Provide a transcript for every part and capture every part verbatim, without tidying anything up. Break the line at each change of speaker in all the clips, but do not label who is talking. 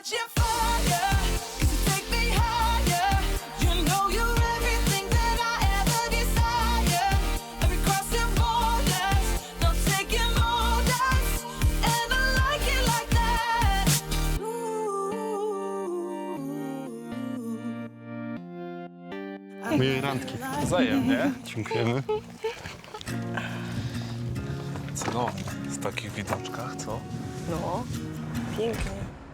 catching fire, 'cause you take me higher. You know you're everything that I ever desire. Every crossing borders, no taking orders, and I like it like that. Ooh.
Miłej randki.
Wzajemnie.
Dziękujemy.
Cudownie. W takich widoczkach, co?
No, pięknie.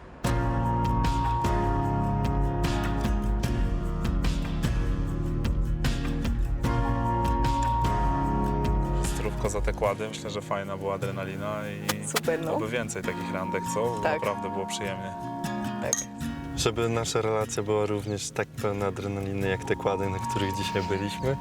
Zdrówko za te kłady. Myślę, że fajna była adrenalina i
Super, no.
oby więcej takich randek, co? Bo
Tak.
Naprawdę było przyjemnie.
Tak.
Żeby nasza relacja była również tak pełna adrenaliny, jak te kłady, na których dzisiaj byliśmy.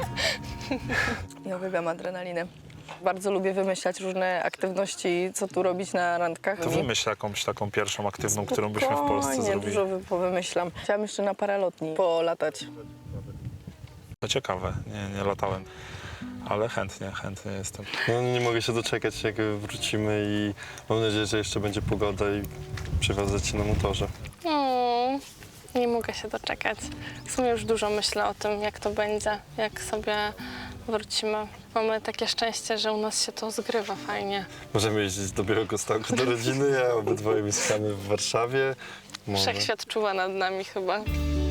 Ja uwielbiam adrenalinę. Bardzo lubię wymyślać różne aktywności, co tu robić na randkach.
To wymyśl jakąś taką pierwszą aktywną, którą byśmy w Polsce
Spokojnie,
zrobili.
dużo wy- powymyślam. Chciałam jeszcze na paralotni polatać.
To ciekawe, nie, nie latałem. Ale chętnie, chętnie jestem.
No, nie mogę się doczekać, jak wrócimy i mam nadzieję, że jeszcze będzie pogoda i przywiozę cię na motorze.
Mm, nie mogę się doczekać. W sumie już dużo myślę o tym, jak to będzie, jak sobie wrócimy. Mamy takie szczęście, że u nas się to zgrywa fajnie.
Możemy jeździć do Białegostoku do rodziny, a obydwoje mieszkamy w Warszawie. Może.
Wszechświat czuwa nad nami chyba.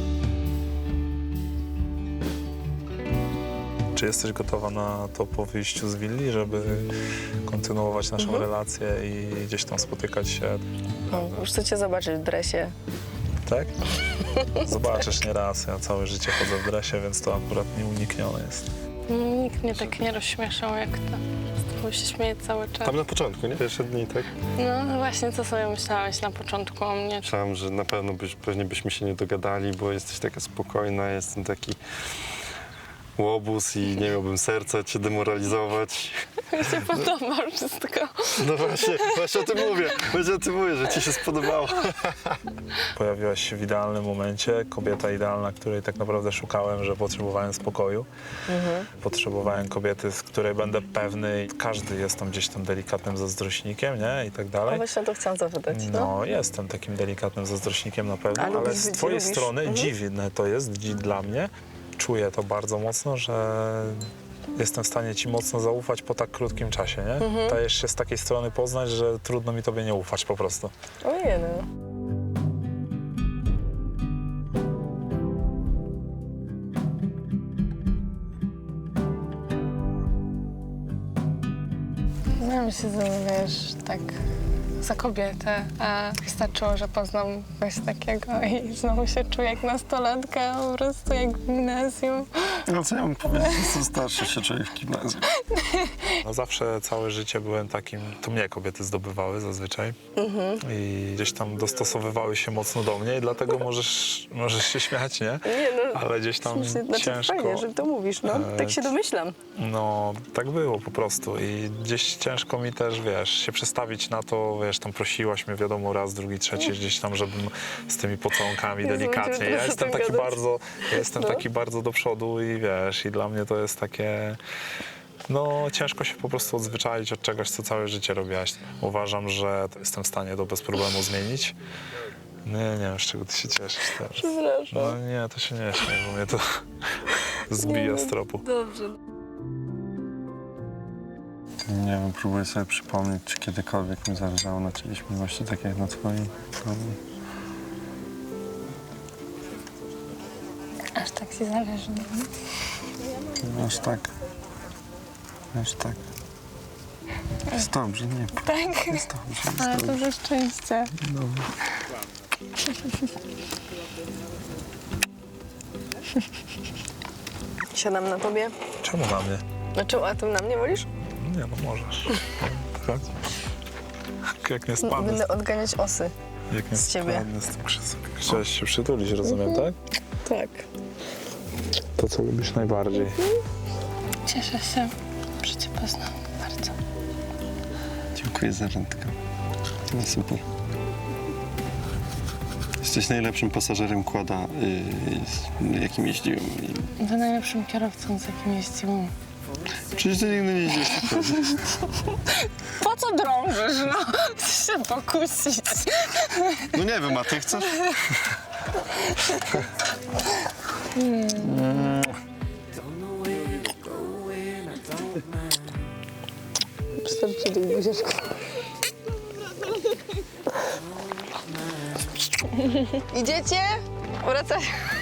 Czy jesteś gotowa na to po wyjściu z willi, żeby kontynuować naszą
Mhm.
relację i gdzieś tam spotykać się?
No, już chcę cię zobaczyć w dresie.
Tak? Zobaczysz nie raz. Ja całe życie chodzę w dresie, więc to akurat nieuniknione jest.
Nikt mnie tak nie rozśmieszał jak ty. Z tobą się śmieje cały czas.
Tam na początku, nie? Pierwsze dni, tak?
No właśnie, co sobie myślałeś na początku o mnie?
Myślałem, że na pewno byś, pewnie byśmy się nie dogadali, bo jesteś taka spokojna, jestem taki łobuz i nie miałbym serca cię demoralizować.
Mi się podoba wszystko.
No właśnie, właśnie o tym mówię, właśnie o tym mówię, że ci się spodobało.
Pojawiłaś się w idealnym momencie. Kobieta idealna, której tak naprawdę szukałem, że potrzebowałem spokoju. Potrzebowałem kobiety, z której będę pewny. Każdy jest tam gdzieś tam delikatnym zazdrośnikiem, nie? I tak
No
dalej.
właśnie to chciałam zapytać. No.
No, jestem takim delikatnym zazdrośnikiem na pewno,
A
ale
lubisz
z
być-
twojej
lubisz?
strony
Mhm.
dziwne to jest dzi- dla mnie. Czuję to bardzo mocno, że jestem w stanie ci mocno zaufać po tak krótkim czasie, nie?
Mhm.
Dajesz się z takiej strony poznać, że trudno mi tobie nie ufać po prostu.
Ojej, no.
Znam się, wiesz, tak za kobietę, a wystarczyło, że poznam kogoś takiego i znowu się czuję jak nastolatka, po prostu jak w gimnazjum.
No co ja mam powiedzieć, jestem starszy, się czuję w gimnazjum.
No zawsze całe życie byłem takim, to mnie kobiety zdobywały zazwyczaj i gdzieś tam dostosowywały się mocno do mnie i dlatego możesz, możesz się śmiać, nie?
Nie, no.
Ale gdzieś tam
Słusznie, znaczy
ciężko.
fajnie, że to mówisz, no. Tak się domyślam.
No, tak było po prostu i gdzieś ciężko mi też, wiesz, się przestawić na to, wiesz, tam prosiłaś mnie, wiadomo, raz, drugi, trzeci, gdzieś tam, żebym z tymi pocałunkami
Jezu,
delikatnie.
będziemy
Ja
teraz o
jestem
tym
taki
gadać.
bardzo, ja jestem
No.
taki bardzo do przodu i wiesz, i dla mnie to jest takie... No, ciężko się po prostu odzwyczaić od czegoś, co całe życie robiłaś. Uważam, że to jestem w stanie to bez problemu zmienić. Nie, nie wiem, z czego ty się cieszysz teraz.
Przepraszam.
No nie, to się nie śmiej, bo mnie to zbija z tropu.
Dobrze.
Nie wiem, próbuję sobie przypomnieć, czy kiedykolwiek mi zależało na czyjejś miłości, tak jak na twojej.
Aż tak ci zależy.
No, aż tak. Aż tak. Jest dobrze, nie.
Tak?
Jest dobrze, jest
Ale
dobrze.
duże szczęście.
Dobra.
Siadam na tobie.
Czemu na mnie?
Znaczy, a ty na mnie wolisz?
Nie, no możesz. Chodź. Jak nie spadnę,
Będę odganiać osy.
jak nie
z ciebie.
spadnę z tym krzesła. Chciałeś się przytulić, rozumiem, tak?
Tak.
To, co lubisz najbardziej.
Cieszę się, że cię poznam bardzo.
Dziękuję za randkę. No super. Jesteś najlepszym pasażerem kłada, yy, jakim jeździłem.
Wy najlepszym kierowcą, z jakim jeździłam.
Przecież ty nigdy nie idziesz.
Po co drążysz, no? Chcę się pokusić.
No nie wiem, a ty chcesz?
Wystarczy tych buziaczków. Idziecie? Wracaj.